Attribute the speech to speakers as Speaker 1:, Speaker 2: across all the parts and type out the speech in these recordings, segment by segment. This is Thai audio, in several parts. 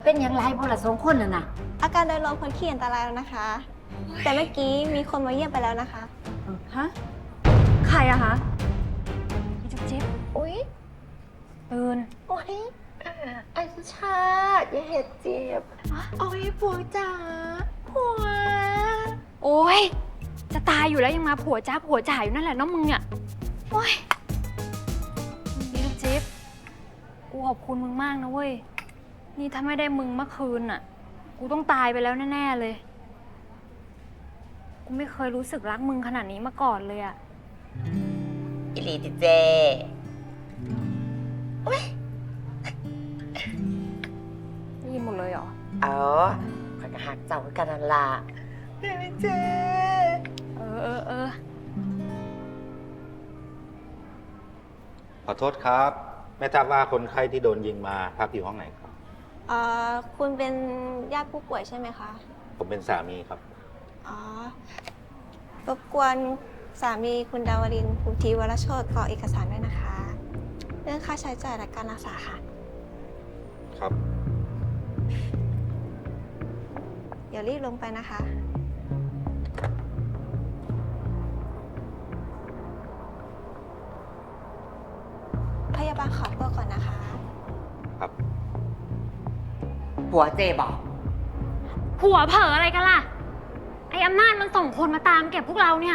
Speaker 1: เป็นอย่างไรพวกเราสองคนน่ะนะ
Speaker 2: อาการโดยรวมพ้นขีดอันตรายแล้วนะคะ แต่เมื่อกี้มีคนมาเยี่ยมไปแล้วนะคะ
Speaker 3: ฮะ ใครอะคะพี่จุ๊บจิ๊บ
Speaker 4: อุ๊ย
Speaker 3: ตื่น
Speaker 4: โอ๊ยไอ้สุชาติอย่าเห็ดเจ็บโอ๊ยผัวจ๋าผัว
Speaker 3: โอ๊ย จะตายอยู่แล้วยังมาผัวจ้าผัวจ่ายอยู่นั่นแหละน้องมึงเนี่ย โอ๊ยพี่จุ๊บจิ๊บกูขอบคุณมึงมากนะเว้ย นี่ถ้าไม่ได้มึงเมื่อคืนน่ะ กูต้องตายไปแล้วแน่ๆเลย กูไม่เคยรู้สึกรักมึงขนาดนี้มาก่อนเลยอะ
Speaker 4: อิลีติเจโอ๊ย
Speaker 3: ได้ยินหมดเลยเหรอ
Speaker 4: อ๋อข้อยก็หักเจ้าคือกันนั่นล่ะเดี๋ยวเจ
Speaker 3: เออ
Speaker 5: ขอโทษครับไม่ทราบว่าคนไข้ที่โดนยิงมาพักอยู่ห้องไหนครับ
Speaker 2: คุณเป็นญาติผู้ป่วยใช่ไหมคะ
Speaker 5: ผมเป็นสามีครับ
Speaker 2: อ๋อ รบกวนสามีคุณดาวรินทร์ภูทีวรโชติกรอกเอกสารด้วยนะคะ เรื่องค่าใช้จ่ายและการรักษาค่ะ
Speaker 5: ครับ
Speaker 2: เดี๋ยวรีบลงไปนะคะ พยาบาลขอตัวก่อนนะคะ
Speaker 5: ครับ
Speaker 4: ผัวเจบอก
Speaker 3: ผัวเผลออะไรกันล่ะ ไอ้อำนาจมันส่งคนมาตามเก็บพวกเราเนี่ย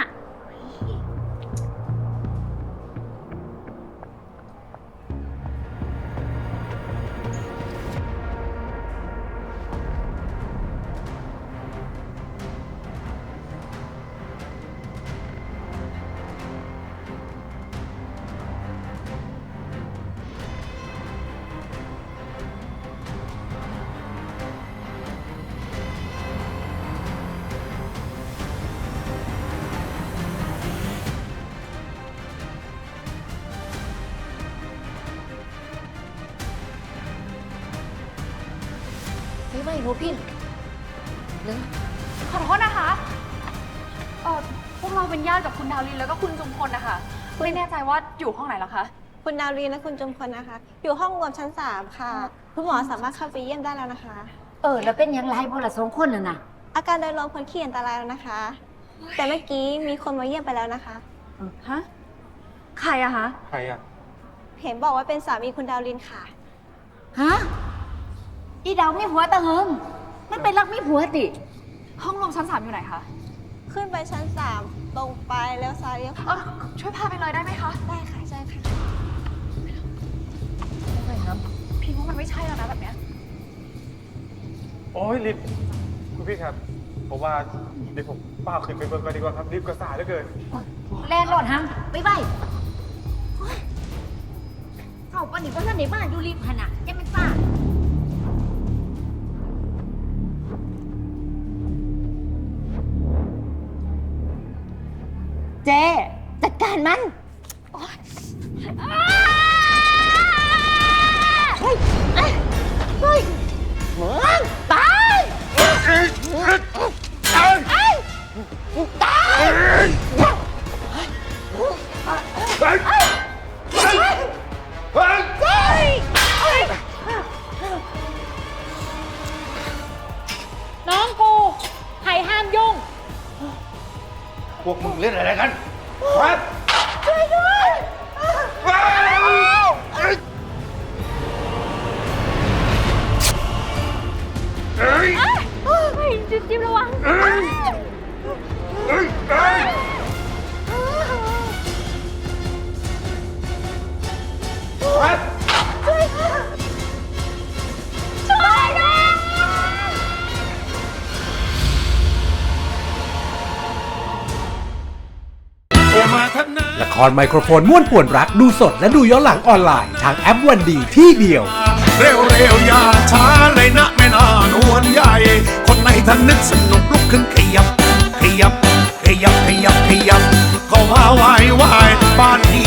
Speaker 1: ไม่รู้พี่เรื่อง
Speaker 3: ขอโทษนะคะ พวกเราเป็นญาติกับคุณดาวรินแล้วก็คุณจุมพลนะคะ ไม่แน่ใจว่าอยู่ห้องไหนหรอคะ
Speaker 2: คุณดาวรินทร์และคุณจุมพลนะคะ อยู่ห้องรวมชั้น 3 ค่ะ คุณหมอสามารถเข้าไปเยี่ยมได้แล้วนะคะ
Speaker 1: แล้วเป็นอย่างไรพวกเราสองคนน่ะนะ
Speaker 2: อาการโดยรวมพ้นขีดอันตรายแล้วนะคะ แต่เมื่อกี้มีคนมาเยี่ยมไปแล้วนะคะ
Speaker 3: ฮะ ใครอะคะ
Speaker 5: ใครอ่ะ
Speaker 2: เห็นบอกว่าเป็นสามีคุณดาวรินทร์ค่ะ
Speaker 1: ฮะอีดาวมีผัวตะเหิงมันเป็นรักมีผัวติ
Speaker 3: ห้องรวมชั้น 3อยู่ไหนคะ
Speaker 2: ขึ้นไปชั้น 3 ตรงไปแล้วซ้ายเลี้ยวขวา
Speaker 3: ช่วยพาไปเลยได้ไหมคะ
Speaker 2: ได้ค่ะใช่ค่ะ
Speaker 3: พี่ว่ามันไม่ใช่แล้วนะแบบเนี้ย
Speaker 6: โอ้ยลิฟคุณพี่ครับผมว่าเดี๋ยวผมป้าขึ้นไปเบิ่งก่อนดีกว่าครับรีบกระสายเหลือเกิน
Speaker 1: แลนรอดฮังไปไปโอ๊ยเข้าปานนี่ว่าท่านในบ้านอยู่ริมขนาดยังไม่ป้าเจจัดการมันเฮ้ยเฮ้ยเฮ้ยมึงตายตาย
Speaker 3: น้องกูใครห้ามยุ่ง
Speaker 5: พวกมึงเล่นอะไรกันครับ
Speaker 1: ช่วยด้วย
Speaker 3: จิ๊บระวัง
Speaker 7: ละครไมโครโฟนม่วนป่วนรักดูสดและดูย้อนหลังออนไลน์ทางแอปวันดีที่เดียว
Speaker 8: เร็วๆอย่าช้าเลยนะแม่นานวลใหญ่ คนไหนท่านนึกสนุกลุกขึ้นขยับ ขยับ ขยับ ขยับ ขยับ เข้ามาไหวบ้านนี้